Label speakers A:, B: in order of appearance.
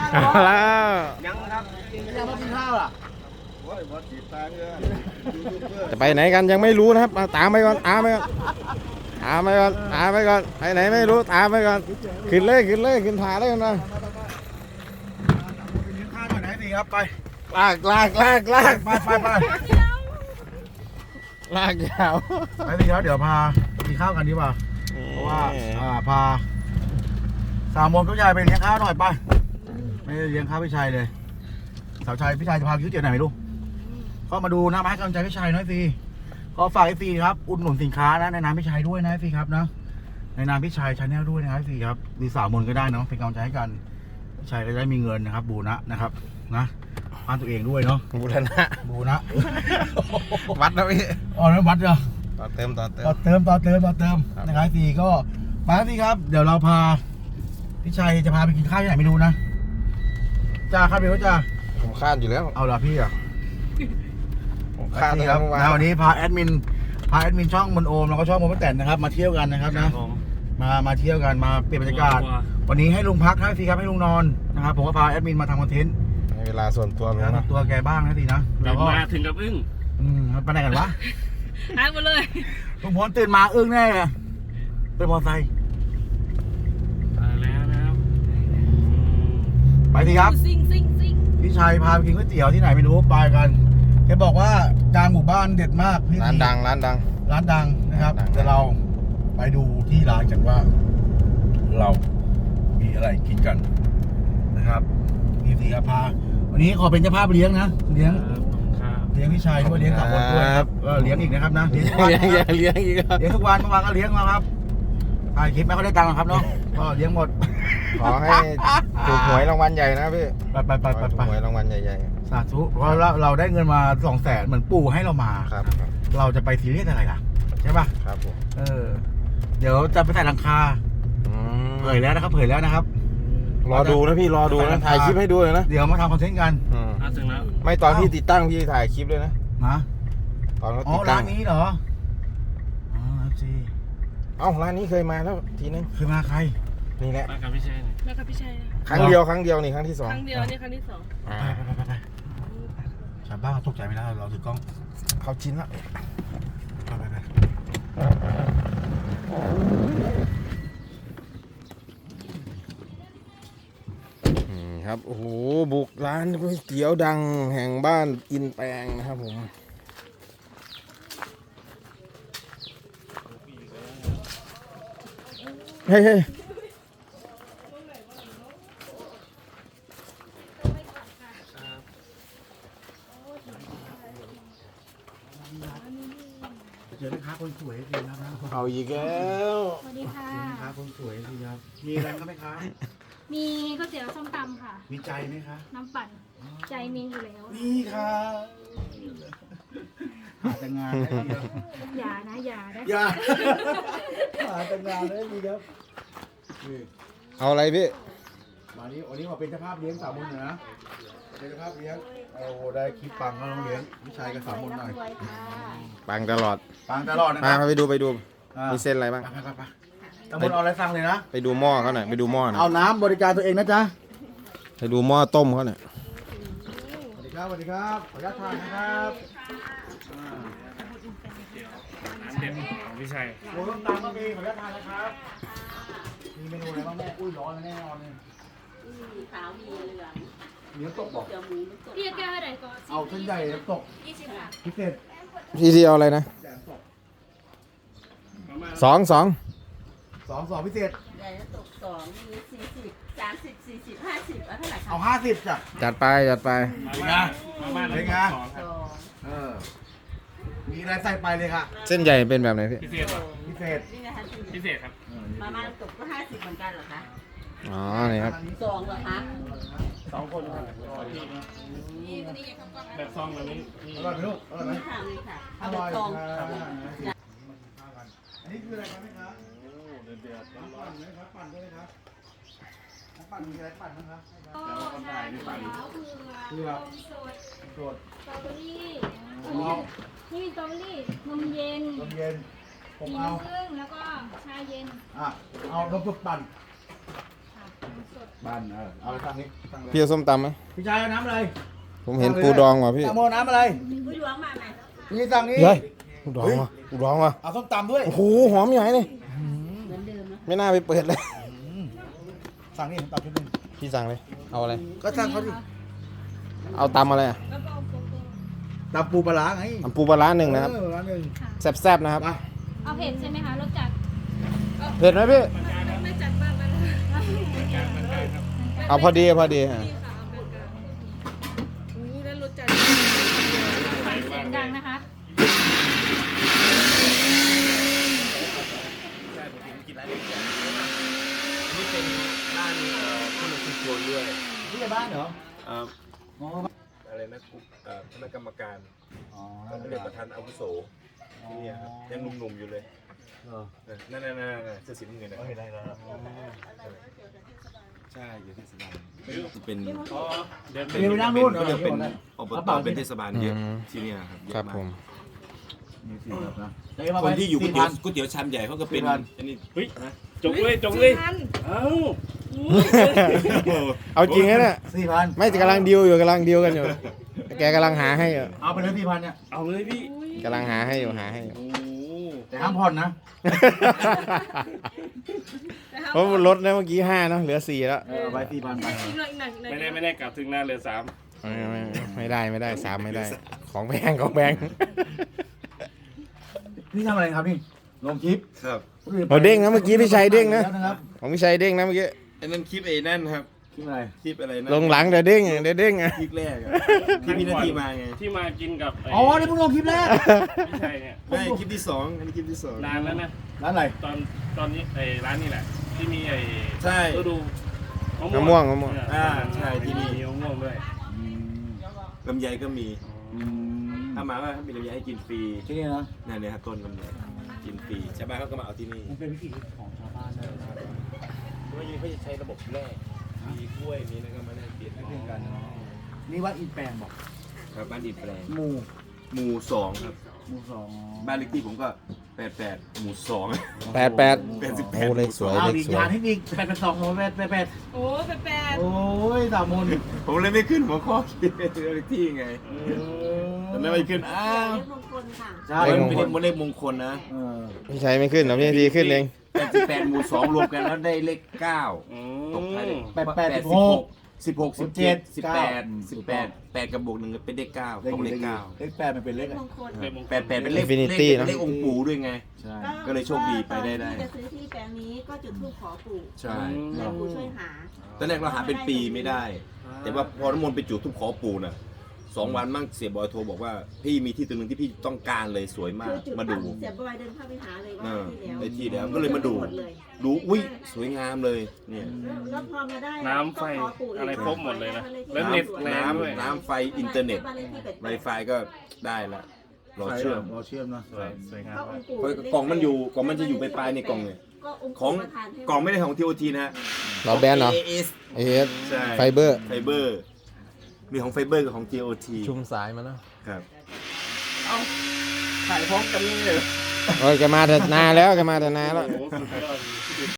A: แล้ว
B: ยังครับ
C: ยังมากินข้าวล่ะ
A: จะไปไหนกันยังไม่รู้นะครับมาตามไปก่อนตามไปก่อนตามไปก่อนตามไปก่อนไปไหนไม่รู้ตามไปก่อนขึ้นเลยขึ้นเลยขึ้นผาเลยกันมา
C: กินข้าวหน่อยนะสิครับไป
A: ลากลากลากลาก
C: ไป
A: ลากยาว
C: ไปสิครับเดี๋ยวพากินข้าวกันดีกว่าเพราะว่าพาสาวมนผู้ชายไปเลี้ยงข้าวหน่อยไปไม่ได้เลี้ยงข้าวพี่ชายเลยสาวชายพี่ชายจะพาคิวเจียวไหนไม่รู้ก็มาดูนะมาให้กำลังใจพี่ชายหน่อยสิก็ฝากไอซีครับอุดหนุนสินค้านะในนามพี่ชายด้วยนะไอซีครับนะในนามพี่ชายชาแนลด้วยนะไอซีครับดีสาวมนก็ได้เนาะเป็นกำลังใจให้กันพี่ชายก็ได้มีเงินนะครับบูนะนะครับนะบ้านตัวเองด้วยเนาะ
A: บูรณะ
C: บูนะ
A: วัดนะพี่
C: อ๋อนั้นวัดเหรอ
A: ต่อเติมต่อเติม
C: ต่อเติมนะครับพี่ก็มาพี่ครับเดี๋ยวเราพาพี่ชัยจะพาไปกินข้าวที่ไหนไม่รู้นะจ้าครับพี่ว่าจ้า
A: ผมคาดอยู่แล้ว
C: เอาละพี่อ่ะ
A: ผมคาด
C: นี่
A: ค
C: ค
A: รั
C: รั
A: บบ เมื่อวาน
C: วันนี้พาแอดมินช่องมนโอมแล้วก็ช่องมนป้าแตนนะครับมาเที่ยวกันนะครับนะมาเที่ยวกันมาเปลี่ยนบรรยากาศวันนี้ให้ลุงพักนะพี่ครับให้ลุงนอนนะครับผมก็พาแอดมินมาทำคอนเทนต์
A: ให้เวลาส่วนตัวผม
C: นะ
A: นะ
C: ตัวแกบ้างนะพี่นะแล้วก็
B: มาถึงกับอึ้ง
C: ไปไหนกันวะ
D: หายหมดเลย
C: ลุงพลตื่นมาอึ้งแน่เป็นมอไซค์
B: มาแล้วนะครับ
C: ไปสิครับ
D: ซิ่ง
C: พี่ชัยพาไปกินก๋วยเตี๋ยวที่ไหนไม่รู้ไปกันแกบอกว่ากลางหมู่บ้านเด็ดมากพี่
A: ร้านดังร้านดัง
C: ร้านดังนะครับ
A: ร้านดัง
C: เดี๋ยวเราไปดูที่ร้านกันว่า เรามีอะไรกินกันนะครับนี่สิครับพาวันนี้ขอเป็นเจ้าภาพเลี้ยงนะเลี้ยง
B: ครับ
C: เลี้ยงพี่ชัยด้วยเลี้ยงสามคนด้วยครับเลี้ยงอีกนะครับนะเลี้ยงทุกวัน
A: เลี้ยงเลี้ยงอีกครับ
C: เลี้ยงทุกวันเมื่อวานก็เลี้ยงมาครับถ่ายคลิปไม่ค่อยได้ตังค์หรอกครับเนาะก็เลี้ยงหมด
A: ขอให้ถูกหวยรางวัลใหญ่นะพี่
C: ไป
A: ถูกหวยรางวัลใหญ่
C: สาธุเพราะเราได้เงินมา200,000เหมือนปู่ให้เรามา
A: ๆครับ
C: เราจะไปซีเรียสอะไรล่ะใช่ป่ะ
A: ครับผม
C: เดี๋ยวจะไปใส่หลังคาเผยแล้วนะครับ
A: รอดูนะพี่รอดูนะถ่ายคลิปให้ดูเลยนะ
C: เดี๋ยวมาทำคอนเทนต์กัน
B: ถึงแล้ว
A: ไม่ตอนที่ติดตั้งพี่ถ่ายคลิปเลยนะ
C: นะ
A: ตอนเขา
C: อ๋อ
A: ติดตั้
C: ร้าง นนี้เหรออ๋อจี
A: เอ้าร้านนี้เคยมาแล้วทีนึง
C: เคยมาใคร
A: นี่แหละ
B: มากับพี่ชัย
D: ๆแล้วกับพี่ชัยนะ
A: ครั้งเดียวนี่ครั้งที่สอง
D: ครั้งเดียวนี่ครั้งที่สอง
A: อ่า
C: ไปชาวบ้านเขาตกใจไม่ได้เราถือกล้อง
A: เขาชินละ
C: ไป
A: ครับโอ้โหบุกร้านก๋วยเตี๋ยวดังแห่งบ้านอินแปลงนะครับผมเฮ้ย
C: เจอแม่ค้าคนสวยจริงครับนะ
A: เอาอีกแล้ว
D: สวัสดีค่ะ
C: แม่ค้าคนสวยจริงครับมีอะไรครับแม่ค้า
D: มีก๋วยเตี๋ยวส้มตำค่ะ
C: มีใจไหมคะ
D: น้ำปั่น ใจมีอยู่แล้ว
C: นี่ค่ะหาแต่งานได้ดีครับ
D: อย่านะอย่านะ
C: อย่าหาแต่งานได้ดีครับนี่
A: เอาอะไรพี่
C: วันนี้มาเป็นเจ้าภาพเลี้ยงสามมนนะเป็นเจ้าภาพเลี้ยงโอ้ได้คลิปปังก็ต้องเลี้ยงวิชัยกับสามมนหน่อย
A: ปังตลอด
C: ปังตลอดนะค
A: มา
C: รับ
A: ไปดู
C: อ่า
A: มีเส้นอะไรบ้าง
C: ไปสามมนเอาอะไรสั่งเลยนะ
A: ไปดูหม้อเขาหน่อยไปดูหม้อหน่อย
C: เอาน้ำบริการตัวเองนะจ๊ะ
A: ไปดูหม้อต้มเขาหน่อย
C: สวัสดีครับขออนุญาตทานนะครับอ่า
B: ร้านเด็ดของพี่ชัย
C: โอ้ต้มตำก็มีขออนุญาตทานนะครับมีเมนูอะไรบ้างแม่อุ้ยร้อนแน่นอนเลย
E: มีขาวมีเหลือง
C: มีน้ำตกบอก
E: เจียวหมูน้ำตก
D: พี่แก้วไหนก่อน
C: เอาเส้นใหญ่น้ำตก
D: 20 บาท
C: พิเศษ
A: พี่เอาอะไรนะ
C: แสนตก
B: ประมาณ
A: สอง
C: สองพิเศษ
E: ใหญ่น้ำตก2มี40 30 40 50เอาเท่าไหร่คะ
C: เอา50จ้ะ
A: จัดไป
B: ประมาณ
C: เป็นไง
B: สองครับ
E: 2
C: มีอะไรใส่ไปเลยค่ะ
A: เส้นใหญ่เป็นแบบไหนพี่
B: พิเศษเหรอ
C: พิเศษ
E: นี่นะคะ
B: พิเศษครับ
E: มาม่าน้ำตกก็50เหมือนกันเหรอคะ
A: อ๋อนี่ครับ
E: 2เหรอคะ
B: 2 คนครับแบบซองแบบนี้มี
C: อร่อยไหมลูกอร่อยไหม
E: นี่ค่ะนี่ค่ะ
C: อ
E: เอาแบ
C: ร่อบ ย
E: ซอง
C: ค่ะอันนี้คืออะไรครับแม่ครับ
B: เดือด
C: น้ำปั่นไหมครับปั่นด้วยครับน้ำปั่นมีอะไรปั่นบ้างครับ
D: ก็ชาเขียวเผือกนมสด
C: สด
D: สตรอเบอรี่
C: ผมเอา
D: นี่มีสตรอเบอรี่นมเย็น
C: นมเย็นผม
D: มี
C: เอา
D: น้ำผึ้งแล้วก็ชาเย็น
C: เอานมสดปั่น
D: ค่ะ
C: บ้านเอาไปสั่งนี้สั่งเลย
A: พี่เอาส้มตำไหม
C: พี่ชายเอาน้ำอะไร
A: ผมเห็นปูดองว่ะพี่
C: สั่งโมน้ำอะไร
E: ผู้หลวงมาไหม
C: พี่สั่งนี้
A: เฮ้ยปูดองว่ะปูดองว่ะ
C: เอาส้มตำด้วย
A: โอ้โหหอมใหญ่เลย
E: เหมือนเดิมนะ
A: ไม่น่าไปเปิดเลย
C: สั่งนี่ส้มตำชุดหนึง
A: พี่สั่งเลยเอาอะไร
C: ก็สั่งเขาดิ
A: เอาตำอะไรอ่ะ
C: ตำปูปลาร้าไง
A: ตำปูปลาร้าหนึ่งนะครับ
C: ร้านหนึ่ง
A: แซ่บๆนะครับ
C: ไป
D: เอาเผ็ดใช่ไหมคะรสจัด
A: เผ็ดไหมพี่
D: ไม่จัดมากนะ
A: เอาพอดีพอดีฮะ
D: เสียงดังนะคะ
F: นี่เป็นบ้านผู้นำชุมชนด้วย
C: ที่ในบ้านเหรอ
F: อ่า
C: อ๋อ
F: อะไรนะคณะกรรมการ
C: อ๋อ
F: เขาเรียกประธานอาวุโสที่เนี่ยครับยังหนุ่มๆอยู่เลย
C: เออ
F: นั่นเสื้อสีน้ำเงินนะ
C: เห็นได้แล้ว
F: ใช่อยู่เทศบาลจะเป็น
B: อ๋อเดินไป
C: เดี๋ยวไปนั่งนู่น
F: ก็จะเป็น
C: เอา
F: อบ
C: เอา
F: ต
C: เปล่า
F: เป็นเทศบาลเยอะที่เนี่ยครับเย
A: ครั
F: อะ
A: บ
F: มา
A: ผ
F: ก
A: ม
C: มีสี่แบบนะ
F: คนที่อยู่ก๋วยเตี๋ยวก๋วยเตี๋ยวชามใหญ่เขาก็เป็น
C: 4,000
F: อันนี้
B: เฮ้ยจงเลยจงเลยเอ้า
A: เอาจริงนะเนี่ย
C: 4,000
A: ไม่กำลังดีลอยู่กำลังดีลกันอยู่ แกกำลังหาให้อยู่
C: เอาไปเลย4,000เนี่ย
B: เอาเลยพี่
A: กำลังหาให้อยู่หาให้อยู่
B: โอ้
C: แต่ห้ามผ่อนนะ
A: เพราะลดนะเมื่อกี้5เนอะเหลือ4แล้ว
C: เอาไป4,000ไป
B: ไม่ได้กลับถึงหน้าเรือสาม
A: ไม่ได้3ไม่ได้ ของแพงของแพง
C: นี่ทำอะไรครับนี่ลงคลิป
F: ครับ
A: เอาเด้งนะเมื่อกี้พี่ชัยเด้งนะ
C: แล้วนะครับ
A: ของพี่ชัยเด้งนะเมื่อกี้
F: อันนั้นคลิปไอ้นั่นครับ
C: คลิปอะไร
F: คลิปอะไรนะ
A: ลงหลังเดี๋ยวเด้งเดี๋ยวเด้งอ่ะ
F: คลิปแรกอะที่พี่นาทีมาไง
B: ที่มากินกับไ
C: อ๋อนี่เพิ่งลงคลิปแรก
B: พี่ชัยเนี่ย
F: ไม่คลิปที่สองอันนี้คลิปที่สอง
B: นานแล้วนะ
C: ร้านอะไร
B: ตอนนี้ไอ้ร้านนี้แหละ ที่มีไอ้
F: ใช่
B: ฤดู
A: มะม่วง
F: ใช่ที่นี่
B: มีมะม่วงด้วย
F: ลำไยก็มีถ้ามาก็มีลำไยให้กินฟรี
C: ที่นี่นะ
F: นั่นเนี่ยครับต้นลำไยกินฟรีชาวบ้านเขาก็มาเอาที่นี่
C: มันเป็นวิถีของชาวบ้านเลยนะ
F: เพราะว่าเขาจะใช้ระบบแร่มีกล้วยมีอะไรก็มาแลกเปลี่ยน
C: ไม่เป็นกันนี่ว่าอินแปลงบอก
F: ครับบ้านอินแปลง
C: หมู่
F: หมู่สองครับ
C: หมู่สอง
F: บ้านเลขที่ผมก็88หมู่สอง
A: 88
F: 88
A: โอ้เลขสวย
C: อ้าว
A: เลข
C: อีก
A: สวย
C: อย่างที่อีก882
D: โอ้แปด
C: โอ้ยสามมน
F: ผมเลยไม่ขึ้นหัวข้อคิดเลขที่ไงแต่ไม่ไปขึ้นอ้าว
E: เรียกมงคลค่ะ
C: ใช่
F: มันเป็นเลขมงคลนะ
C: เออ
A: พี่ชัยไม่ขึ้นหรอกพี่ดีขึ้นเอง
F: 88หมู่สองรวมกันแล้วได้เลข9
B: อื
F: ตกท้ายเลข
C: 16
F: 8กับวก1เป็นเลข9ตกเลข9
C: เลข8มันเป็นเล
E: เรี
C: ข
E: ยกมงคล
B: เลขมงคล
F: 88เป็นเลข
A: Infinity นะ
F: เลของค์ปู่ด้วยไง
C: ใช่
F: ก็เลยโชคดีไปได้
E: ตอนที่จะซื้อที่แปลงนี้ก็จุดธูปขอปู่
F: ใช่
E: แล้วปู่ช่วยหา
F: ตอนแรกเราหาเป็นปีไม่ได้ แต่ว่าพอน้ำมนต์ไปจุดทุบขอปู่น่ะ2 วันมั่งเสียบอยโทรบอกว่าพี่มีที่ตัวหนึงที่พี่ต้องการเลยสวยมา
E: คื
F: ก
E: อจุด
F: มาดู
E: เสียบอยเดินเข้าไปหาเลยว่า
F: เออ
E: ที่แล้ว
F: ได้ที่แล้วก็เลยมาดู
E: หมดเลย
F: ดูอุ้ยสวยงามเลยเนี่ย
E: แล้วพอมาได้
B: น้ำไฟ
E: ก็ขปู่ก
B: อะไรครบหมดเลยนะแล้
E: แล้ว
B: เน็ตแรงด้วย
F: น้ำไฟอินเทอร์เน็ต Wi-Fi ก็ได้ละรอเชื่อม
C: รอเชื่อมนะ
B: สวยงาม
E: ก็
B: มาก
E: องค์ปู่
F: เพราะกล่องมันอยู่กล่องมันจะอยู่ปลายๆในกล่องเนี่ย
E: ก็องค์
F: ของ
E: ปู่ประทานให้
F: กล่องไม่ได้ของ TOT นะฮะ
A: เราแบนเหรอ
F: AAS
A: เอส
F: ใช่
A: ไฟเบอร์
F: ไฟเบอร์มีของไฟเบอร์กับของ TOT
A: ชุมสายมาเนาะ
F: ครับเอาขายพร้อมกันเลย
A: โอ้ยแกมาแต่นานแล้วแกมาแต่นานแล้ว
B: โอ้โหสุดยอด